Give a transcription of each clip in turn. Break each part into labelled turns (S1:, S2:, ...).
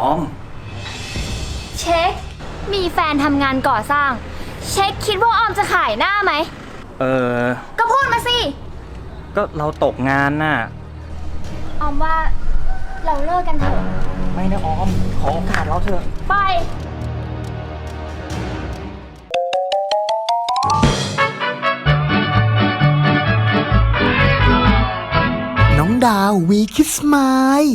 S1: อม
S2: เช็คมีแฟนทำงานก่อสร้างเช็คคิดว่าออมจะขายหน้าไหม
S1: ก็
S2: พูดมาสิ
S1: ก็เราตกงานน่ะ
S2: ออมว่าเราเลิกกันเถอะ
S1: ไม่นะออมขอโอกาสเราเถอะ
S2: ไป
S3: น้องดาววีคิสมาย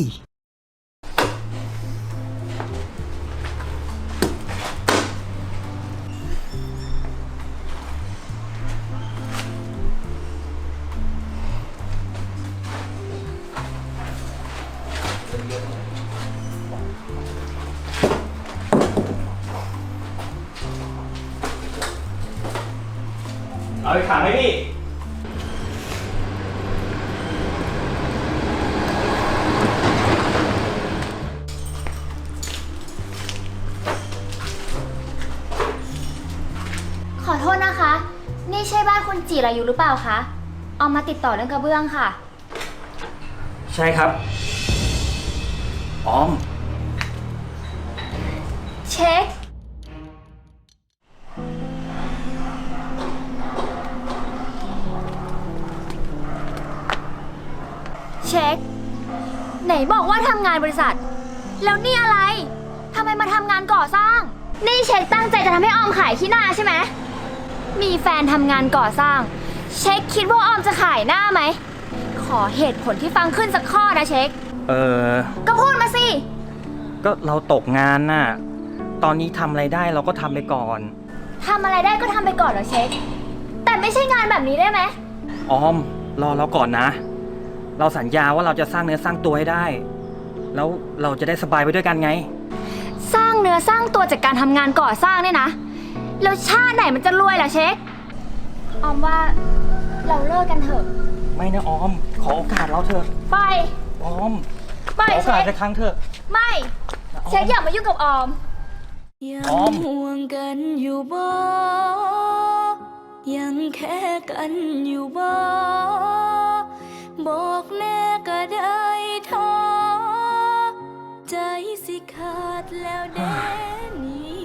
S1: เอาไปขังไหมพี่
S2: ขอโทษนะคะ นี่ใช่บ้านคุณจิรายุหรือเปล่าคะออมมาติดต่อเรื่องกระเบื้องค่ะ
S1: ใช่ครับออม
S2: เช็คเช็คไหนบอกว่าทำงานบริษัทแล้วนี่อะไรทำไมมาทำงานก่อสร้างนี่เช็คตั้งใจจะทำให้ออมขายขี้หน้าใช่ไหมมีแฟนทำงานก่อสร้างเช็คคิดว่าออมจะขายหน้าไหมขอเหตุผลที่ฟังขึ้นสักข้อนะเช็คก็พูดมาสิ
S1: ก็เราตกงานน่ะตอนนี้ทำอะไรได้เราก็ทำไปก่อน
S2: ทำอะไรได้ก็ทำไปก่อนเหรอเช็คแต่ไม่ใช่งานแบบนี้ได้ไหม
S1: ออมรอเราก่อนนะเราสัญญาว่าเราจะสร้างเนื้อสร้างตัวให้ได้แล้วเราจะได้สบายไปด้วยกันไง
S2: สร้างเนื้อสร้างตัวจากการทำงานก่อสร้างเนี่ยนะแล้วชาติไหนมันจะรวยล่ะเช็คออมว่าเราเลิกกันเถอะ
S1: ไม่นะออมขอโอกาสเราเถอะ
S2: ไป
S1: ออมขอโอกาสสักครั้งเถอะ
S2: ไม่เช็คอย่ามายุ่งกับออม
S4: ยังห่วงกันอยู่บ่ยังแค่กันอยู่บ่บอกแน่ก็ได้ท้อใจสิขาดแล้วเด้นี่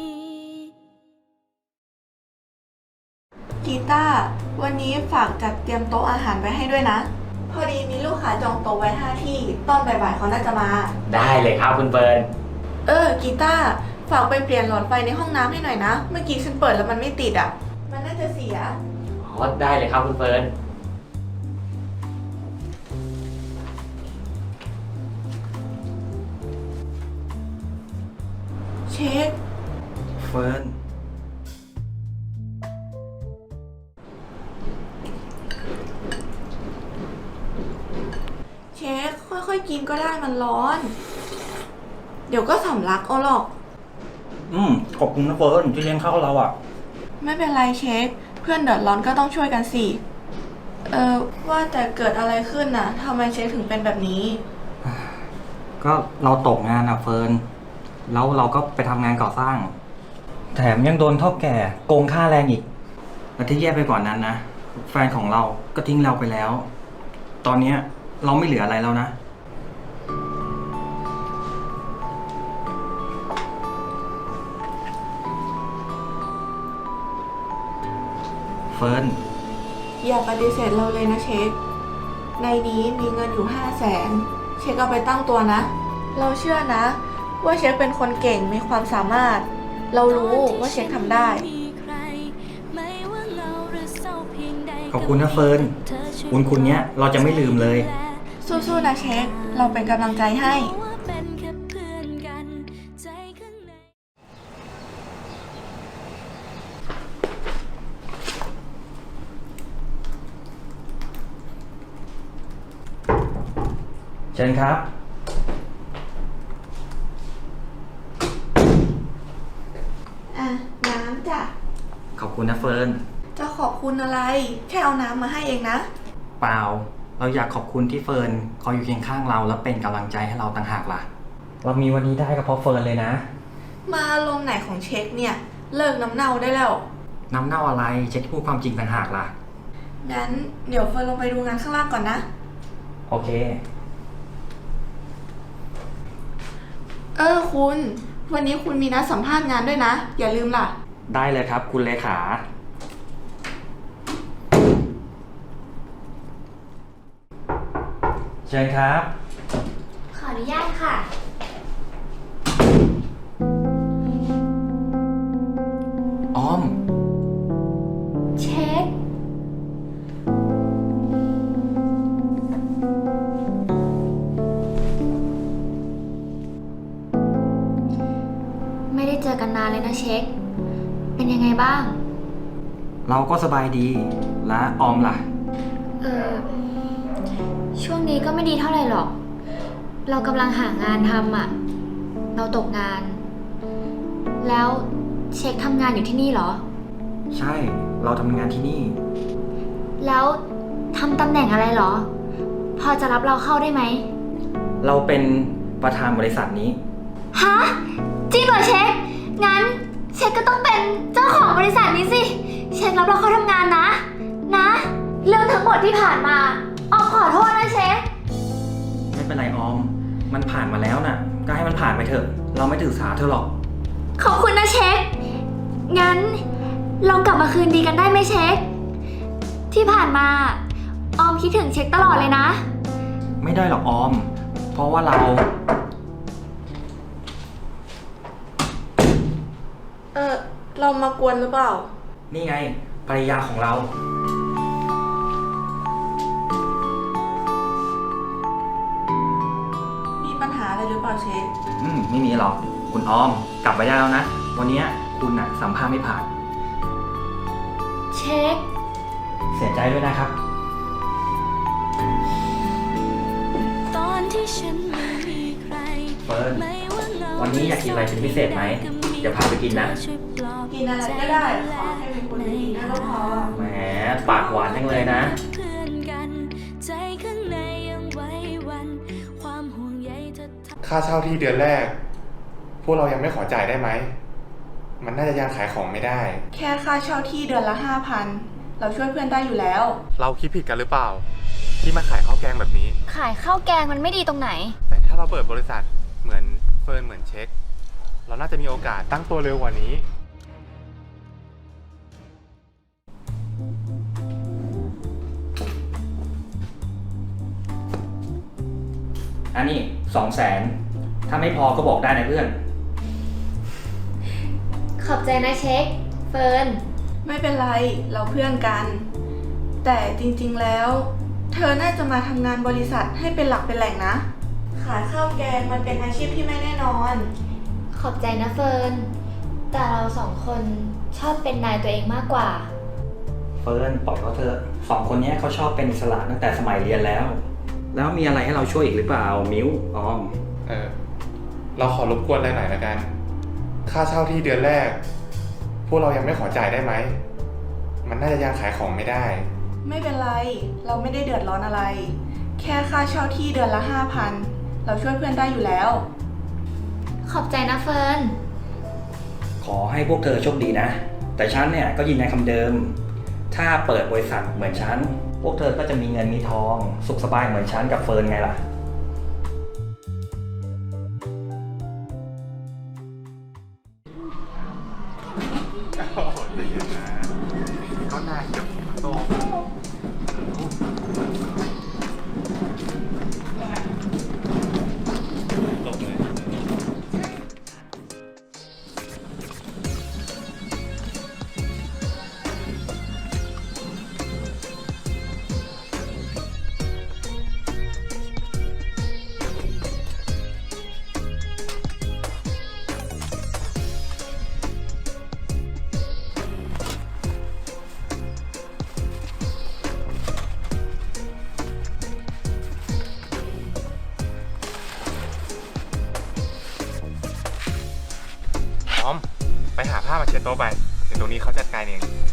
S5: กีตาร์วันนี้ฝากจัดเตรียมโต๊ะอาหารไว้ให้ด้วยนะพอดีมีลูกค้าจองโต๊ะไว้5ที่ตอนบ่ายๆเขาน่าจะมา
S1: ได้เลยครับคุณเฟิร์น
S5: กีตาร์ฝากไปเปลี่ยนหลอดไฟในห้องน้ำให้หน่อยนะเมื่อกี้ฉันเปิดแล้วมันไม่ติดอ่ะมันน่าจะเสีย
S1: ได้เลยครับคุณเฟิร์น
S5: เช็ค
S1: เฟิร์น
S5: เช็คค่อยๆกินก็ได้มันร้อนเดี๋ยวก็สำลักเอาหรอก
S1: ขอบคุณนะเฟิร์นที่เลี้ยงข้าวเราอ่ะ
S5: ไม่เป็นไรเช็คเพื่อนเดือดร้อนก็ต้องช่วยกันสิว่าแต่เกิดอะไรขึ้นน่ะทำไมเช็คถึงเป็นแบบนี้
S1: ก็เราตกงานอ่ะเฟิร์นแล้วเราก็ไปทำงานก่อสร้างแถมยังโดนเฒ่าแก่โกงค่าแรงอีกและที่แย่ไปกว่านั้นนะแฟนของเราก็ทิ้งเราไปแล้วตอนนี้เราไม่เหลืออะไรแล้วนะเฟิร์น
S5: อย่าปฏิเสธเราเลยนะเช็คในนี้มีเงินอยู่500,000เช็คเอาไปตั้งตัวนะเราเชื่อนะว่าเช็คเป็นคนเก่งมีความสามารถเรารู้ว่าเช็คทำได้
S1: ขอบคุณนะเฟิร์นบุญคุณเนี้ยเราจะไม่ลืมเลย
S5: สู้ๆนะเช็คเราเป็นกำลังใจให้
S1: เชิญครับ
S5: น้ำจ้ะ
S1: ขอบคุณนะเฟิร์น
S5: จะขอบคุณอะไรแค่เอาน้ำมาให้เองนะ
S1: เปล่าเราอยากขอบคุณที่เฟิร์นคอยอยู่เคียงข้างเราและเป็นกำลังใจให้เราต่างหากล่ะเรามีวันนี้ได้ก็เพราะเฟิร์นเลยนะ
S5: มาอารมณ์ไหนของเช็คเนี่ยเลิกน้ำเน่าได้แล้ว
S1: น้ำเน่าอะไรเช็คพูดความจริงต่างหากล่ะ
S5: งั้นเดี๋ยวเฟิร์นลงไปดูงานข้างล่างก่อนนะ
S1: โอเค
S5: คุณ วันนี้คุณมีนัดสัมภาษณ์งานด้วยนะ อย่าลืมล่ะ
S1: ได้เลยครับ คุณเลขา เชิญครับ
S2: ขออนุญาตค่ะ
S1: ออม
S2: เช็ค ไม่ได้เจอกันนานเลยนะเช็ค เป็นยังไงบ้าง
S1: เราก็สบายดี และออมล่ะ
S2: ช่วงนี้ก็ไม่ดีเท่าไหร่หรอก เรากำลังหางานทำอ่ะ เราตกงาน แล้วเช็คทำงานอยู่ที่นี่เหรอ
S1: ใช่ เราทำงานที่นี่
S2: แล้วทำตำแหน่งอะไรเหรอ พอจะรับเราเข้าได้ไหม
S1: เราเป็นประธานบริษัทนี้
S2: ฮะ จริงเหรอเช็ค งั้นเช็คก็ต้องเป็นเจ้าของบริษัทนี้สิ เช็ครับเราเข้าทำงานนะ นะ เรื่องทั้งหมดที่ผ่านมาออมขอโทษนะเช็ค
S1: ไม่เป็นไรออม มันผ่านมาแล้วน่ะ ก็ให้มันผ่านไปเถอะ เราไม่ถือสาเธอหรอก
S2: ขอบคุณนะเช็ค งั้นเรากลับมาคืนดีกันได้ไหมเช็ค ที่ผ่านมาออมคิดถึงเช็คตลอดเลยนะ
S1: ไม่ได้หรอกออม เพราะว่าเรา
S5: เรามากวนหรือเปล่า
S1: นี่ไงภรรยาของเรา
S5: มีปัญหาอะไรหรือเปล่าเช็ค
S1: ไม่มีหรอก คุณออม กลับไปได้แล้วนะ วันนี้คุณน่ะสัมภาษณ์ไม่ผ่าน
S2: เช็ค
S1: เสียใจด้วยนะครับ
S4: ตอนที่ฉันไม่มีใคร
S1: เฟิร์น
S4: ไม่ว่าเงา
S1: วันนี้อยากกินอะไรเป็นพิเศษไหมเดี๋ยวพาไปกินนะ
S4: ช่วยปลอบ
S5: กินอะไรก็ได้ ขอให้เป็นคนดีนะก็พอ
S1: แหม ปากหวานจังเลยนะ
S4: เพื่อนกัน ใจข้างในยังไหว้วัน ความห่วงใยเธอทำ
S6: ค่าเช่าที่เดือนแรก พวกเรายังไม่ขอจ่ายได้ไหม มันน่าจะยังขายของไม่ได้
S5: แค่ค่าเช่าที่เดือนละ 5,000 เราช่วยเพื่อนได้อยู่แล้ว
S6: เราคิดผิดกันหรือเปล่า ที่มาขายข้าวแกงแบบนี้
S2: ขายข้าวแกงมันไม่ดีตรงไหน
S6: แต่ถ้าเราเปิดบริษัทเหมือนเฟิร์นเหมือนเช็ค เราน่าจะมีโอกาสตั้งตัวเร็วกว่านี้
S1: อันนี้200,000ถ้าไม่พอก็บอกได้นะเพื่อน
S2: ขอบใจนะเช็ค เฟิร์น
S5: ไม่เป็นไร เราเพื่อนกัน แต่จริงๆแล้ว เธอน่าจะมาทำงานบริษัทให้เป็นหลักเป็นแหล่งนะ ขายข้าวแกงมันเป็นอาชีพที่ไม่แน่นอน
S2: ขอบใจนะเฟิร์น แต่เราสองคนชอบเป็นนายตัวเองมากกว่า
S1: เฟิร์นปล่อยเขาเถอะสองคนนี้เขาชอบเป็นอิสระตั้งแต่สมัยเรียนแล้ว แล้วมีอะไรให้เราช่วยอีกหรือเปล่า มิ้ว ออม
S6: เราขอรบกวนอะไรหน่อยละกัน ค่าเช่าที่เดือนแรก พวกเรายังไม่ขอจ่ายได้ไหม มันน่าจะยังขายของไม่ได้
S5: ไม่เป็นไร เราไม่ได้เดือดร้อนอะไร แค่ค่าเช่าที่เดือนละ 5,000 เราช่วยเพื่อนได้อยู่แล้ว
S2: ขอบใจนะเฟิร์น
S1: ขอให้พวกเธอโชคดีนะ แต่ฉันเนี่ยก็ยืนยันคำเดิม ถ้าเปิดบริษัทเหมือนฉัน พวกเธอก็จะมีเงินมีทอง สุขสบายเหมือนฉันกับเฟิร์นไงล่ะ
S6: ก็น่าจะโต พร้อม ไปหาผ้ามาเช็ดโต๊ะไป เดี๋ยวตรงนี้เขาจัดการเอง
S2: ได้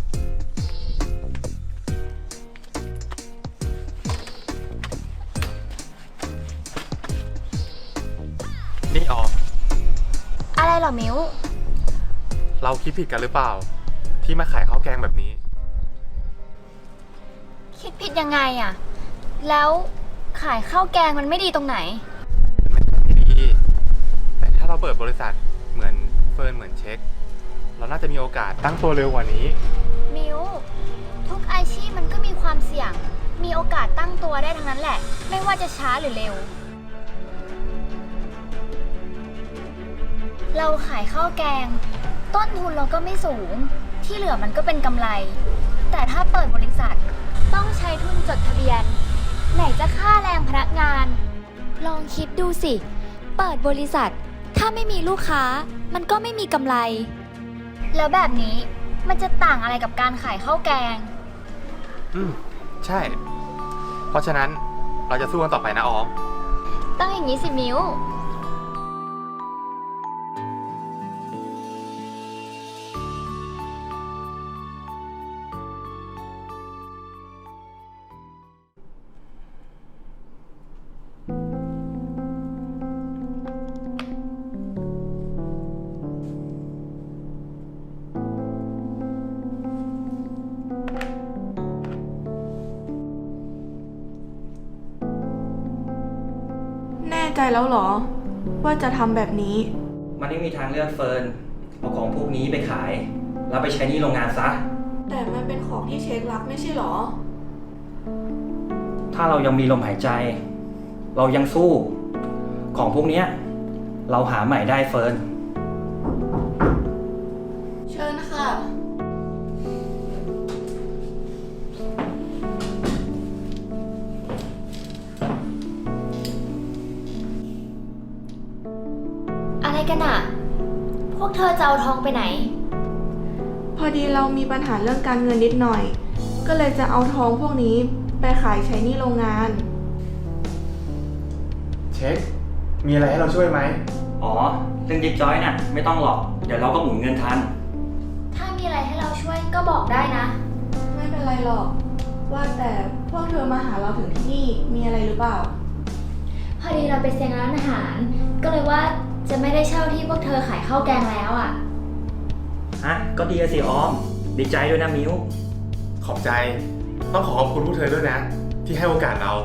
S6: นี่ออม
S2: อะไรเหรอมิว
S6: เราคิดผิดกันหรือเปล่า ที่มาขายข้าวแกงแบบนี้
S2: คิดผิดยังไงอะแล้วขายข้าวแกงมันไม่ดีตรงไหน
S6: ไม่ใช่ไม่ดี แต่บริษัทเหมือนเฟิร์นเหมือนเช็ค เราน่าจะมีโอกาสตั้งตัวเร็วกว่านี้
S2: มิวทุกอาชีพมันก็มีความเสี่ยง มีโอกาสตั้งตัวได้ทั้งนั้นแหละ ไม่ว่าจะช้าหรือเร็ว เราขายข้าวแกง ต้นทุนเราก็ไม่สูง ที่เหลือมันก็เป็นกำไร แต่ถ้าเปิดบริษัทต้องใช้ทุนจดทะเบียน ไหนจะค่าแรงพนักงาน ลองคิดดูสิ เปิดบริษัทถ้าไม่มีลูกค้ามันก็ไม่มีกำไร แล้วแบบนี้มันจะต่างอะไรกับการขายข้าวแกง
S6: ใช่ เพราะฉะนั้นเราจะสู้กันต่อไปนะออม
S2: ต้องอย่างนี้สิมิว
S5: แน่ใจแล้วเหรอ ว่าจะทำแบบนี้
S1: มันไม่มีทางเลือกเฟิร์น เอาของพวกนี้ไปขาย แล้วไปใช้หนี้โรงงานซะ
S5: แต่มันเป็นของที่เช็ครักไม่ใช่เหรอ
S1: ถ้าเรายังมีลมหายใจ เรายังสู้ ของพวกเนี้ยเราหาใหม่ได้เฟิร์น
S5: เชิญค่ะ
S2: อะไรกันอะพวกเธอจะเอาทองไปไหน
S5: พอดีเรามีปัญหาเรื่องการเงินนิดหน่อย ก็เลยจะเอาทองพวกนี้ไปขายใช้หนี้โรงงาน
S6: เช็ค มีอะไรให้เราช่วยไหม
S1: อ๋อ เรื่องยิบจ้อยน่ะ ไม่ต้องหรอก เดี๋ยวเราก็หมุนเงินทัน
S2: ถ้ามีอะไรให้เราช่วยก็บอกได้นะ
S5: ไม่เป็นไรหรอก ว่าแต่พวกเธอมาหาเราถึงที่นี่มีอะไรหรือเปล่า
S2: พอดีเราไปเซ็งร้านอาหาร ก็เลยว่าจะไม่ได้เช่าที่พวกเธอขายข้าวแกงแล้วอะ
S1: ฮะ ก็ดีอะสิออม ดีใจด้วยนะมิว
S6: ขอบใจ ต้องขอขอบคุณพวกเธอด้วยนะ ที่ให้โอกาสเรา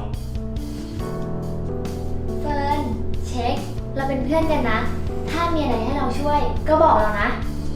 S2: เฟิร์น เช็ค เราเป็นเพื่อนกันนะ ถ้ามีอะไรให้เราช่วยก็บอกเรานะ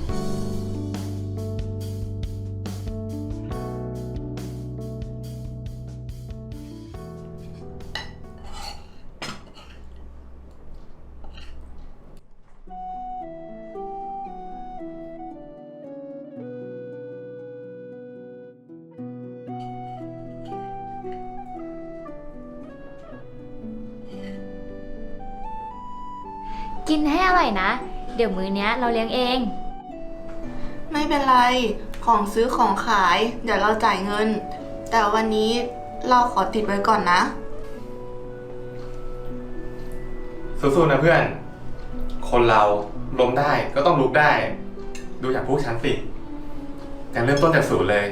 S2: กินให้อร่อยนะ เดี๋ยวมื้อเนี้ยเราเลี้ยงเอง
S5: ไม่เป็นไร ของซื้อของขาย เดี๋ยวเราจ่ายเงิน แต่วันนี้เราขอติดไว้ก่อนนะ
S6: สู้ๆนะเพื่อน คนเราล้มได้ก็ต้องลุกได้ ดูอย่างพวกฉันสิการเริ่มต้นจากศูนย์เลย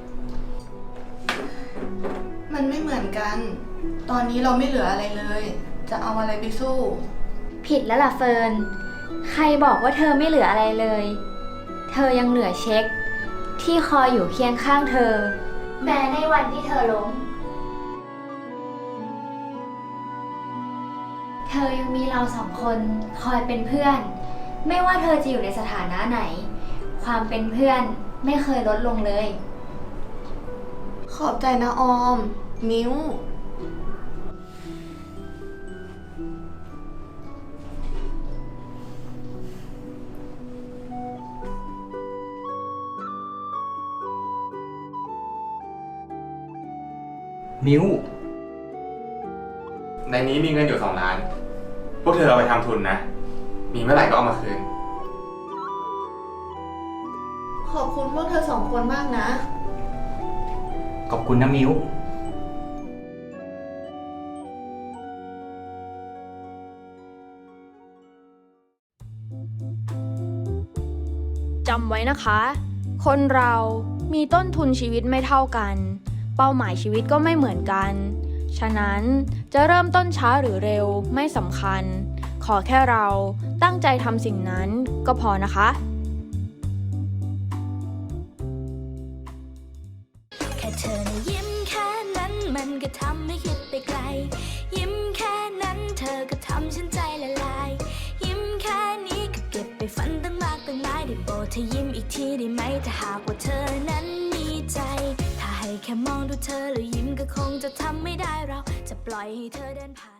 S5: มันไม่เหมือนกัน ตอนนี้เราไม่เหลืออะไรเลย จะเอาอะไรไปสู้
S2: ผิดแล้วล่ะเฟิร์น ใครบอกว่าเธอไม่เหลืออะไรเลย เธอยังเหลือเช็ค ที่คอยอยู่เคียงข้างเธอ แม้ในวันที่เธอล้ม เธอยังมีเราสองคนคอยเป็นเพื่อน ไม่ว่าเธอจะอยู่ในสถานะไหน ความเป็นเพื่อนไม่เคยลดลงเลย
S5: ขอบใจนะออม มิ้ว
S1: มิว
S6: ในนี้มีเงินอยู่2 ล้าน พวกเธอเอาไปทำทุนนะ มีเมื่อไหร่ก็เอามาคืน
S5: ขอบคุณพวกเธอสองคนมากนะ
S1: ขอบคุณนะมิว
S7: จำไว้นะคะ คนเรามีต้นทุนชีวิตไม่เท่ากัน เป้าหมายชีวิตก็ไม่เหมือนกัน ฉะนั้นจะเริ่มต้นช้าหรือเร็วไม่สำคัญ ขอแค่เราตั้งใจทำสิ่งนั้นก็พอนะคะ
S4: แค่เธอนะยิ้มแค่นั้นมันก็ทำให้คิดไปไกล ยิ้มแค่นั้นเธอก็ทำฉันใจละลาย ยิ้มแค่นี้โบเธอยิ้มอีกทีได้ไหมถ้าหากว่าเธอนั้นมีใจ ถ้าให้แค่มองดูเธอแล้วยิ้มก็คงจะทำไม่ได้เราจะปล่อยให้เธอเดินผ่าน